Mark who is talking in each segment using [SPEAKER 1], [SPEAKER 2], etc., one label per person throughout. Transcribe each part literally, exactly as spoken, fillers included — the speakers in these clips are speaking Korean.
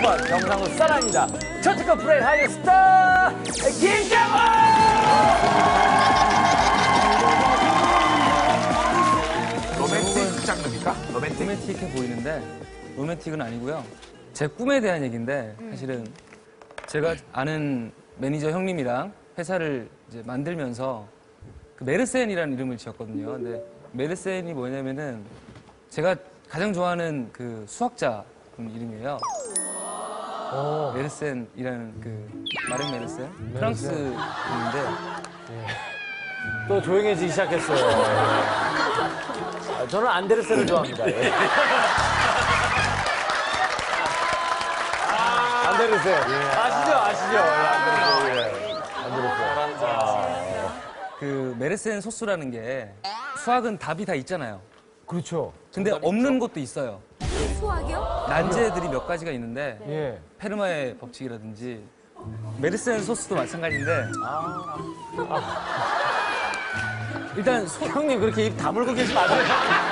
[SPEAKER 1] 넘버원 경상도 사랑입니다. 첫특급 브레인 하이어 스타 김장원!
[SPEAKER 2] 로맨틱 장르입니까? 로맨틱?
[SPEAKER 3] 로맨틱해 보이는데 로맨틱은 아니고요. 제 꿈에 대한 얘기인데 사실은 제가 아는 매니저 형님이랑 회사를 이제 만들면서 그 메르센이라는 이름을 지었거든요. 근데 메르센이 뭐냐면은 제가 가장 좋아하는 그 수학자 이름이에요. 오. 메르센이라는 그 마른 메르센? 메르센. 프랑스 분인데
[SPEAKER 1] 예. 또 조용해지기 시작했어요. 아, 저는 안데르센을 좋아합니다. 예. 아, 안데르센. 예. 아시죠? 아시죠? 예, 안데르센. 예. 안데르센. 아.
[SPEAKER 3] 그 메르센 소스라는 게 수학은 답이 다 있잖아요.
[SPEAKER 1] 그렇죠.
[SPEAKER 3] 근데 없는 있죠? 것도 있어요.
[SPEAKER 4] 수학이요?
[SPEAKER 3] 난제들이 몇 가지가 있는데
[SPEAKER 1] 예.
[SPEAKER 3] 페르마의 법칙이라든지 메르센 소스도 마찬가지인데 아. 아. 일단 소...
[SPEAKER 1] 형님 그렇게 입 다물고 계시면 안 돼요.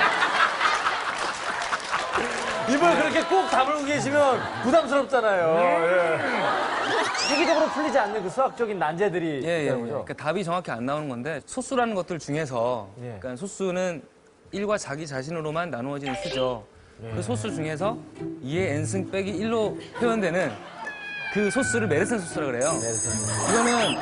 [SPEAKER 1] 입을 그렇게 꼭 다물고 계시면 부담스럽잖아요. 예. 세계적으로 풀리지 않는 그 수학적인 난제들이
[SPEAKER 3] 예, 예, 예.
[SPEAKER 1] 있다는 거죠?
[SPEAKER 3] 그러니까 답이 정확히 안 나오는 건데 소수라는 것들 중에서
[SPEAKER 1] 예.
[SPEAKER 3] 그러니까 소수는 일과 자기 자신으로만 나누어지는 수죠.
[SPEAKER 1] 예.
[SPEAKER 3] 그 소수 중에서 이의 n승 빼기 일로 표현되는 그 소수를 메르센 소수라 그래요.
[SPEAKER 1] 메르센.
[SPEAKER 3] 이거는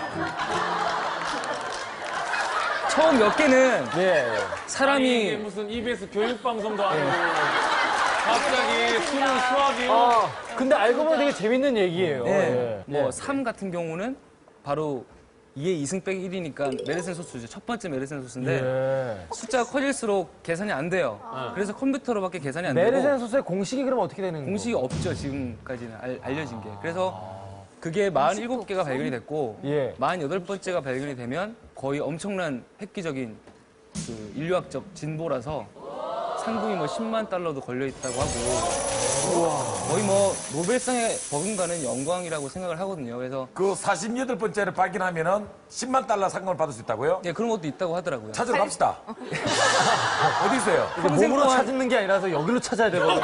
[SPEAKER 3] 처음 몇 개는
[SPEAKER 1] 예, 예.
[SPEAKER 3] 사람이
[SPEAKER 5] 이게 무슨 이비에스 교육방송도 아니고 갑자기 수능 수학이요?
[SPEAKER 1] 아, 근데 알고 보면 되게 재밌는 얘기예요.
[SPEAKER 3] 예.
[SPEAKER 1] 예.
[SPEAKER 3] 뭐
[SPEAKER 1] 예.
[SPEAKER 3] 삼 같은 경우는 바로 이의 이승 빼기 일이니까 메르센 소수죠. 첫 번째 메르센 소수인데
[SPEAKER 1] 예.
[SPEAKER 3] 숫자가 커질수록 계산이 안 돼요. 그래서 컴퓨터로밖에 계산이 안 되고
[SPEAKER 1] 메르센 소스의 공식이 그럼 어떻게 되는 거예요?
[SPEAKER 3] 공식이 없죠. 지금까지는 알, 알려진 게. 그래서 그게 사십칠 개가 발견이 됐고
[SPEAKER 1] 예.
[SPEAKER 3] 사십팔 번째가 발견이 되면 거의 엄청난 획기적인 그 인류학적 진보라서 상금이 뭐 십만 달러도 걸려 있다고 하고 거의 뭐 노벨상에 버금가는 영광이라고 생각을 하거든요. 그래서
[SPEAKER 2] 그 사십팔 번째를 발견하면은 십만 달러 상금을 받을 수 있다고요?
[SPEAKER 3] 예, 그런 것도 있다고 하더라고요.
[SPEAKER 2] 찾으러 갑시다. 어디 있어요?
[SPEAKER 1] 몸으로
[SPEAKER 3] 동안-
[SPEAKER 1] 찾는 게 아니라서 여기로 찾아야 되거든요.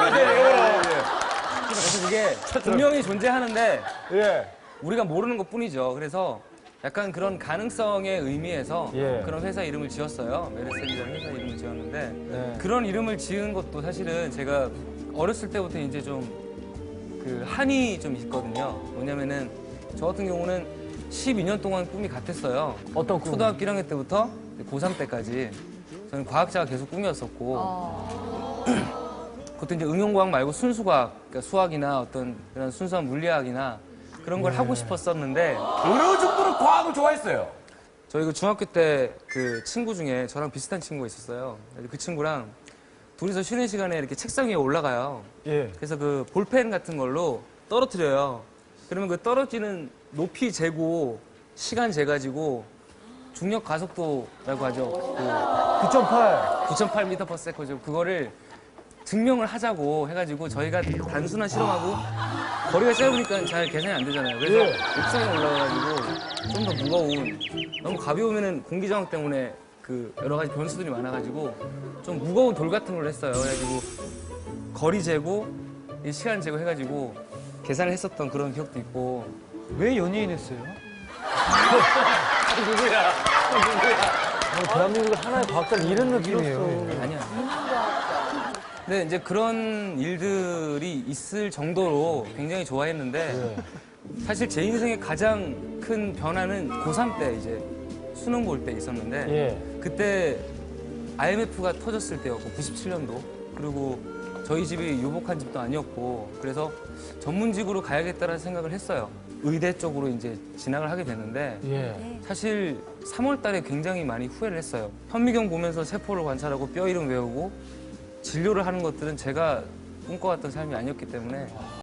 [SPEAKER 3] 그래서 그게 분명히 존재하는데
[SPEAKER 1] 예.
[SPEAKER 3] 우리가 모르는 것 뿐이죠. 그래서 약간 그런 가능성의 의미에서
[SPEAKER 1] 예.
[SPEAKER 3] 그런 회사 이름을 지었어요. 메르센이라는 회사 이름을 지었는데
[SPEAKER 1] 네.
[SPEAKER 3] 그런 이름을 지은 것도 사실은 제가 어렸을 때부터 이제 좀 그 한이 좀 있거든요. 뭐냐면은 저 같은 경우는 십이 년 동안 꿈이 같았어요.
[SPEAKER 1] 어떤 꿈?
[SPEAKER 3] 초등학교 일 학년 때부터 고삼 때까지 저는 과학자가 계속 꿈이었었고
[SPEAKER 4] 어.
[SPEAKER 3] 그것도 이제 응용과학 말고 순수과학, 그러니까 수학이나 어떤 그런 순수한 물리학이나 그런 걸 하고 싶었었는데
[SPEAKER 2] 어느 정도로 과학을 좋아했어요?
[SPEAKER 3] 저희 그 중학교 때 그 친구 중에 저랑 비슷한 친구가 있었어요. 그 친구랑 둘이서 쉬는 시간에 이렇게 책상 위에 올라가요.
[SPEAKER 1] 예.
[SPEAKER 3] 그래서 그 볼펜 같은 걸로 떨어뜨려요. 그러면 그 떨어지는 높이 재고 시간 재가지고 중력 가속도라고 하죠. 그
[SPEAKER 1] 구 점 팔.
[SPEAKER 3] 구 점 팔 미터 퍼 세컨드 그거를 증명을 하자고 해가지고 저희가 단순한 실험하고 거리가 짧으니까 잘 계산이 안 되잖아요. 그래서
[SPEAKER 1] 예.
[SPEAKER 3] 옥상에 올라가가지고 좀 더 무거운 너무 가벼우면은 공기 저항 때문에 그 여러 가지 변수들이 많아가지고 좀 무거운 돌 같은 걸 했어요. 그래가지고 거리 재고 이 시간 재고 해가지고 계산을 했었던 그런 기억도 있고.
[SPEAKER 1] 왜 연예인 했어요?
[SPEAKER 5] 누구야?
[SPEAKER 1] 어, 대한민국 하나의 과학자를 잃은 느낌이에요.
[SPEAKER 3] 아니야. 근데 이제 그런 일들이 있을 정도로 굉장히 좋아했는데 사실 제 인생의 가장 큰 변화는 고삼 때 이제 수능 볼 때 있었는데
[SPEAKER 1] 예.
[SPEAKER 3] 그때 아이엠에프가 터졌을 때였고 구십칠 년도 그리고 저희 집이 유복한 집도 아니었고 그래서 전문직으로 가야겠다는 생각을 했어요. 의대 쪽으로 이제 진학을 하게 됐는데
[SPEAKER 1] 예.
[SPEAKER 3] 사실 삼월 달에 굉장히 많이 후회를 했어요. 현미경 보면서 세포를 관찰하고 뼈 이름 외우고 진료를 하는 것들은 제가 꿈꿔왔던 삶이 아니었기 때문에